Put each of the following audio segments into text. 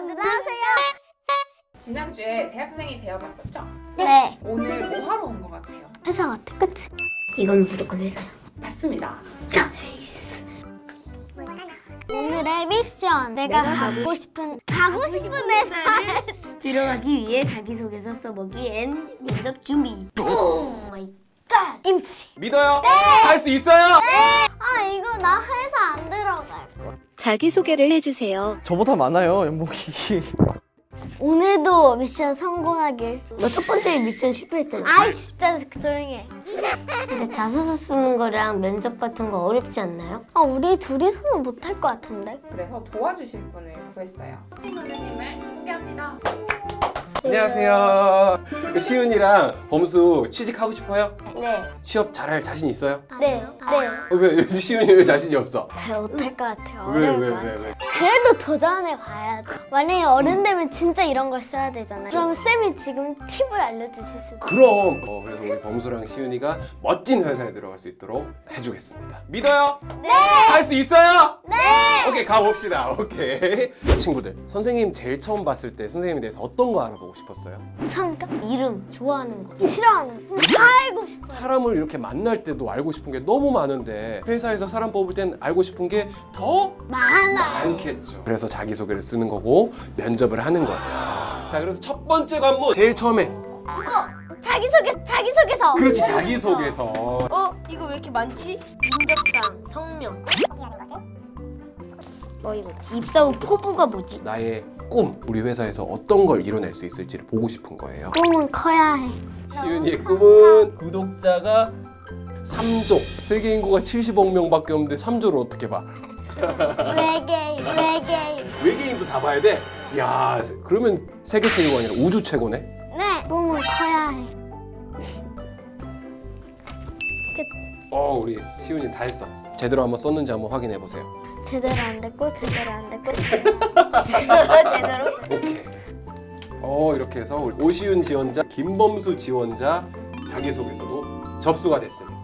안녕하세요. 지난주에 대학생이 되어봤었죠? 네. 오늘 뭐 하러 온 것 같아요? 회사 같아, 그치? 이건 무조건 회사야. 맞습니다. 오늘의 미션. 내가 가고 싶은 회사를 들어가기 위해 자기소개서 써보기엔 면접 준비. 오 마이 갓. 김치. 믿어요? 할 수 있어요? 아 이거 나 회사 안 들어갈. 자기소개를 해주세요. 저보다 많아요, 연봉이. 오늘도 미션 성공하길. 너 첫 번째 미션 실패했잖아. 아이 진짜 조용히 해. 근데 자소서 쓰는 거랑 면접 같은 거 어렵지 않나요? 아 우리 둘이서는 못할 것 같은데. 그래서 도와주실 분을 구했어요. 코칭 선생님을 소개합니다. 안녕하세요. 시윤이랑 범수 취직하고 싶어요? 네. 취업 잘할 자신 있어요? 네. 왜 시윤이 왜 자신이 없어? 잘 못할 것 같아요. 왜? 어려울 것 같아요. 그래도 도전해 봐야 돼. 만약에 어른 되면 진짜 이런 걸 써야 되잖아요. 그럼 쌤이 지금 팁을 알려주실 수 있어요. 그럼 그래서 우리 범수랑 시윤이가 멋진 회사에 들어갈 수 있도록 해주겠습니다. 믿어요? 네. 할 수 있어요? 네. 오케이, 가봅시다. 오케이. 친구들, 선생님 제일 처음 봤을 때 선생님에 대해서 어떤 거 알아보고 싶었어요? 성격? 이름, 좋아하는 거. 싫어하는 거. 다 알고 싶어요. 사람을 이렇게 만날 때도 알고 싶은 게 너무 많은데 회사에서 사람 뽑을 땐 알고 싶은 게 더 많아. 많겠죠. 그래서 자기소개를 쓰는 거고 면접을 하는 거예요. 자, 그래서 첫 번째 관문 제일 처음에 자기소개서. 그렇지, 자기소개서. 이거 왜 이렇게 많지? 인적사항, 성명. 이거 입사 후 포부가 뭐지? 나의 꿈, 우리 회사에서 어떤 걸 이뤄낼 수 있을지를 보고 싶은 거예요. 꿈은 커야 해. 시윤이의 꿈은 구독자가 3조. 세계 인구가 70억 명밖에 없는데 3조를 어떻게 봐? 외계인. 외계인도 다 봐야 돼? 야, 그러면 세계 최고가 아니라 우주 최고네? 네. 꿈은 커야 해. 우리 시윤이 다 했어. 제대로 한번 썼는지 한번 확인해 보세요. 제대로 안 됐고 제대로 안 됐고. 제대로? 오케이. 이렇게 해서 우리 오시윤 지원자, 김범수 지원자 자기소개서도 접수가 됐습니다.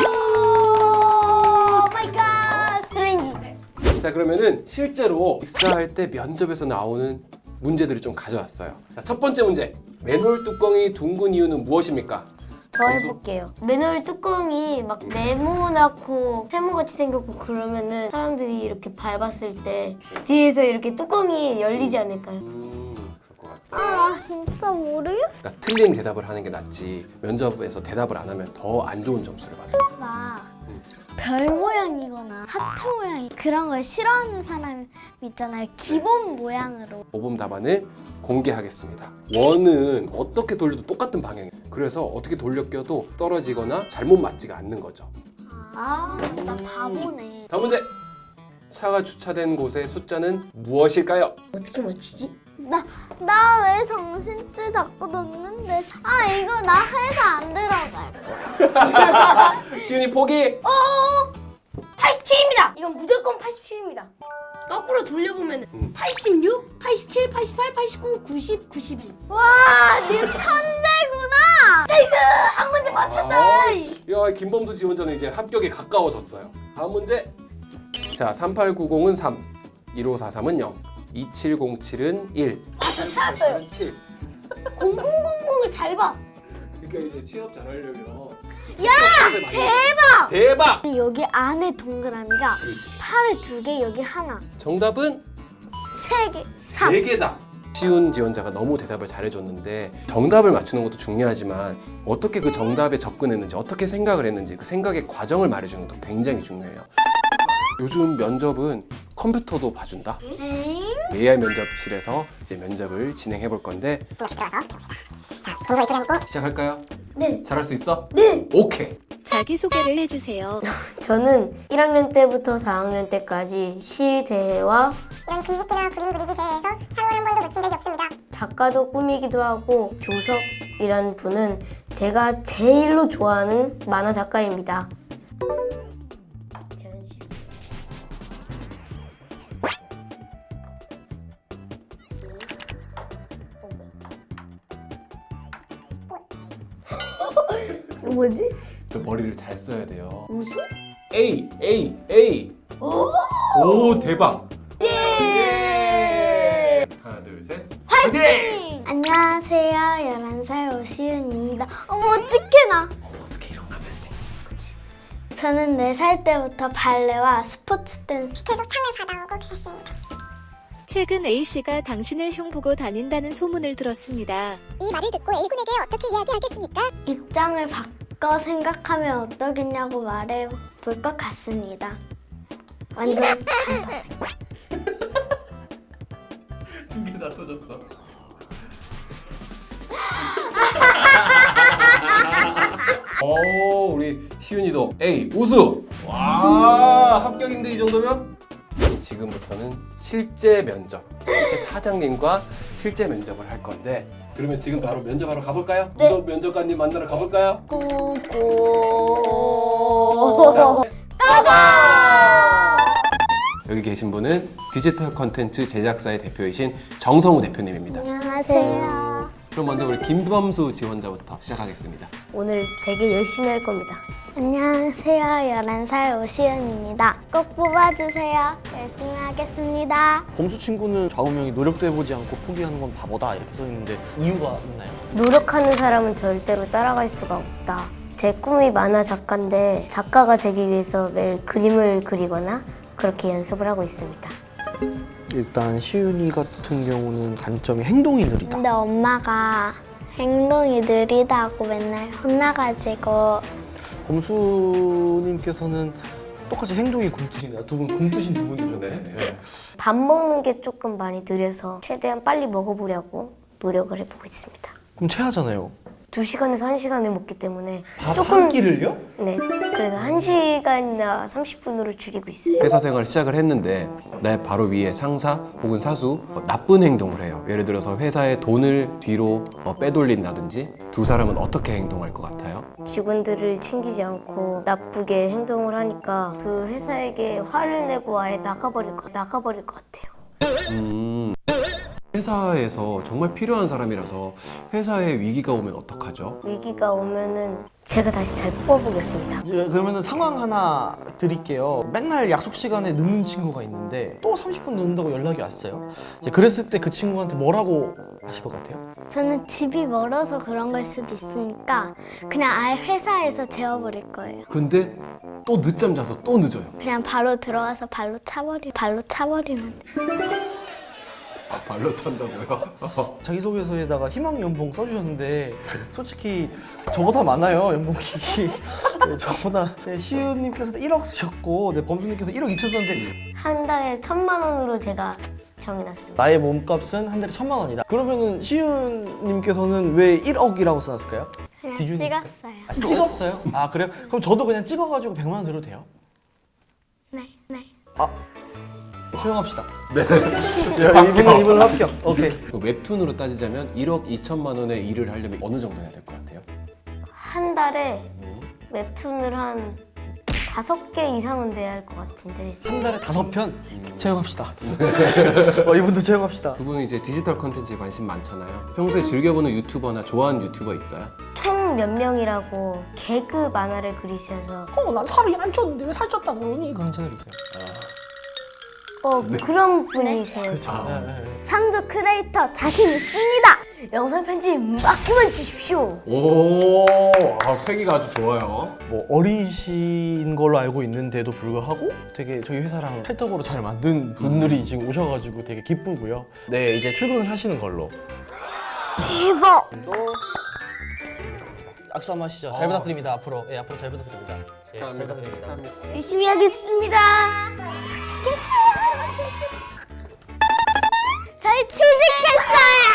오 마이 갓. 스트레인지. 자, 그러면은 실제로 입사할 때 면접에서 나오는 문제들을 좀 가져왔어요. 자, 첫 번째 문제. 맨홀 뚜껑이 둥근 이유는 무엇입니까? 저 해볼게요. 맨홀 뚜껑이 막 네모나고 세모같이 생겼고 그러면은 사람들이 이렇게 밟았을 때 뒤에서 이렇게 뚜껑이 열리지 않을까요? 그럴 것 같아. 아 진짜 모르겠어. 그러니까 틀린 대답을 하는 게 낫지 면접에서 대답을 안 하면 더 안 좋은 점수를 받아요. 나 별 모양이거나 하트 모양 그런 걸 싫어하는 사람 있잖아요. 기본 모양으로. 모범 답안을 공개하겠습니다. 원은 어떻게 돌려도 똑같은 방향이에요. 그래서 어떻게 돌려 껴도 떨어지거나 잘못 맞지가 않는 거죠. 아, 나 바보네. 다음 문제. 차가 주차된 곳의 숫자는 무엇일까요? 어떻게 맞히지? 나 왜 정신줄 잡고 놓는데? 아 이거 나 회사 안 들어갈. 시윤이 포기! 87입니다! 이건 무조건 87입니다. 거꾸로 돌려보면 86, 87, 88, 89, 90, 91. 와, 니 천재구나. 한 문제 맞췄다! 야, 김범수 지원자는 이제 합격에 가까워졌어요. 다음 문제. 자, 3890은 3, 1543은 0, 2707은 1. 저 찾았어요. 7. 0000을 잘 봐. 그러니까 이제 취업 잘하려면 대박. 대박! 여기 안에 동그라미가 팔에 2개, 여기 하나, 정답은 3개, 3. 4개다. 쉬운 지원자가 너무 대답을 잘해줬는데 정답을 맞추는 것도 중요하지만 어떻게 그 정답에 접근했는지 어떻게 생각을 했는지 그 생각의 과정을 말해주는 것도 굉장히 중요해요. 요즘 면접은 컴퓨터도 봐준다. AI 면접실에서 이제 면접을 진행해 볼 건데 시작할까요? 네. 잘할 수 있어? 네. 오케이. 자기소개를 해주세요. 저는 1학년 때부터 4학년 때까지 시 대회와 이런 글짓기나 그림 그리기 대회에서 상을 한 번도 놓친 적이 없습니다. 작가도 꾸미기도 하고 조석이라는 분은 제가 제일로 좋아하는 만화 작가입니다. 뭐지? 저 머리를 잘 써야 돼요. 웃음? A. 오, 대박. 예. 하나, 둘, 파이팅! 안녕하세요. 11살 오시윤입니다. 어머 어떡해 나. 어떻게 이런 거 하면 돼? 저는 4살 때부터 발레와 스포츠 댄스 계속 상을 받아오고 그랬습니다. 최근 A씨가 당신을 흉 보고 다닌다는 소문을 들었습니다. 이 말을 듣고 A군에게 어떻게 이야기하겠습니까? 입장을 바꿔 생각하면 어떠겠냐고 말해 볼 것 같습니다. 완전 간단해. 두 개 다 터졌어. 오, 우리 시윤이도 A 우수. 와, 합격인데 이 정도면? 지금부터는 실제 면접, 실제 사장님과 실제 면접을 할 건데, 그러면 지금 바로 면접하러 가볼까요? 네. 우선 면접관님 만나러 가볼까요? 고고. 여기 계신 분은 디지털 컨텐츠 제작사의 대표이신 정성우 대표님입니다. 안녕하세요. 그럼 먼저 우리 김범수 지원자부터 시작하겠습니다. 오늘 되게 열심히 할 겁니다. 안녕하세요. 11살 오시연입니다. 꼭 뽑아주세요. 열심히 하겠습니다. 범수 친구는 좌우명이 노력도 해보지 않고 포기하는 건 바보다 이렇게 써있는데 이유가 있나요? 노력하는 사람은 절대로 따라갈 수가 없다. 제 꿈이 만화 작가인데 작가가 되기 위해서 매일 그림을 그리거나 그렇게 연습을 하고 있습니다. 일단 시윤이 같은 경우는 단점이 행동이 느리다. 근데 엄마가 행동이 느리다고 맨날 혼나가지고 범수님께서는 똑같이 행동이 굼뜨신가요? 두 분 굼뜨신 두 분이죠. 네. 밥 먹는 게 조금 많이 느려서 최대한 빨리 먹어보려고 노력을 해보고 있습니다. 그럼 체하잖아요. 2시간에서 1시간을 먹기 때문에 밥 한 끼를요? 네, 그래서 1시간이나 30분으로 줄이고 있어요. 회사 생활을 시작을 했는데 내 바로 위에 상사 혹은 사수 나쁜 행동을 해요. 예를 들어서 회사의 돈을 뒤로 빼돌린다든지 두 사람은 어떻게 행동할 것 같아요? 직원들을 챙기지 않고 나쁘게 행동을 하니까 그 회사에게 화를 내고 아예 나가버릴 것 같아요. 회사에서 정말 필요한 사람이라서 회사에 위기가 오면 어떡하죠? 위기가 오면은 제가 다시 잘 뽑아보겠습니다. 이제 그러면은 상황 하나 드릴게요. 맨날 약속 시간에 늦는 친구가 있는데 또 30분 늦는다고 연락이 왔어요. 이제 그랬을 때 그 친구한테 뭐라고 하실 것 같아요? 저는 집이 멀어서 그런 걸 수도 있으니까 그냥 아예 회사에서 재워버릴 거예요. 근데 또 늦잠 자서 또 늦어요. 그냥 바로 들어가서 발로 차버리면 돼. 발로 찬다고요? 자기소개서에다가 희망 연봉 써주셨는데 솔직히 저보다 많아요 연봉이. 네, 저보다 시우님께서 1억 쓰셨고 범수님께서 1억 2천 썼는데 한 달에 1,000만 원으로 제가 정해놨습니다. 나의 몸값은 한 달에 1,000만 원이다. 그러면은 시우님께서는 왜 1억이라고 써놨을까요? 그냥 기준이 있을까요? 찍었어요. 아, 찍었어요? 아 그래요? 그럼 저도 그냥 찍어가지고 100만 원 드려도 돼요? 네. 아 조용합시다. 네. 이분은 합격. 오케이. 그 웹툰으로 따지자면 1억 2천만 원의 일을 하려면 어느 정도 해야 될 것 같아요? 한 달에 웹툰을 한 5개 이상은 돼야 할 것 같은데 한 달에 5편 채용합시다. 이분도 채용합시다. 두 분은 이제 디지털 컨텐츠에 관심 많잖아요. 평소에 즐겨보는 유튜버나 좋아하는 유튜버 있어요? 총 몇 명이라고 개그 만화를 그리셔서 난 살이 안 쪘는데 왜 살쪘다고 그러니? 그런 채널 있어요. 그런 분이세요. 상조 크리에이터 자신 있습니다. 영상 편집 맡기만 주십시오. 오, 패기가 아주 좋아요. 뭐 어리신 걸로 알고 있는데도 불구하고 되게 저희 회사랑 찰떡으로 잘 만든 분들이 지금 오셔가지고 되게 기쁘고요. 네, 이제 출근을 하시는 걸로. 대박. 악수 한번 하시죠. 잘 부탁드립니다. 앞으로. 예, 앞으로 잘 부탁드립니다. 예, 잘 부탁드립니다. 열심히 하겠습니다. 저희 취직했어요.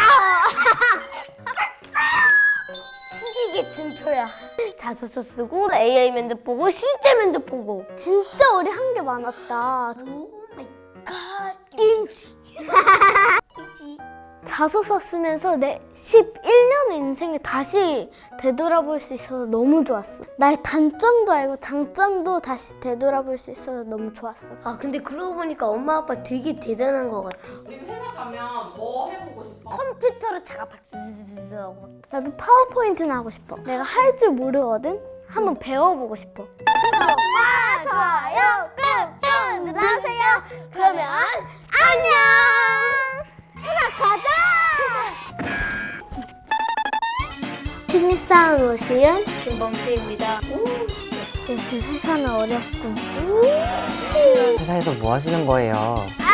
취직의 진표야. 자소서 쓰고 AI 면접 보고 실제 면접 보고. 진짜 우리 한 게 많았다. 오 마이 갓. 김치. 자소서 쓰면서 내 11년의 인생을 다시 되돌아볼 수 있어서 너무 좋았어. 나의 단점도 알고 장점도 다시 되돌아볼 수 있어서 너무 좋았어. 아 근데 그러고 보니까 엄마 아빠 되게 대단한 것 같아. 우리 회사 가면 뭐 해보고 싶어? 컴퓨터로 작업할 나도 파워포인트는 하고 싶어. 내가 할 줄 모르거든? 한번 배워보고 싶어. 구독과 좋아요 꾹꾹 눌러주세요. 그러면 안녕. 회사 가자. 신입사원 오시연. 김범수입니다. 요즘 회사는 어렵군. 회사에서 뭐 하시는 거예요?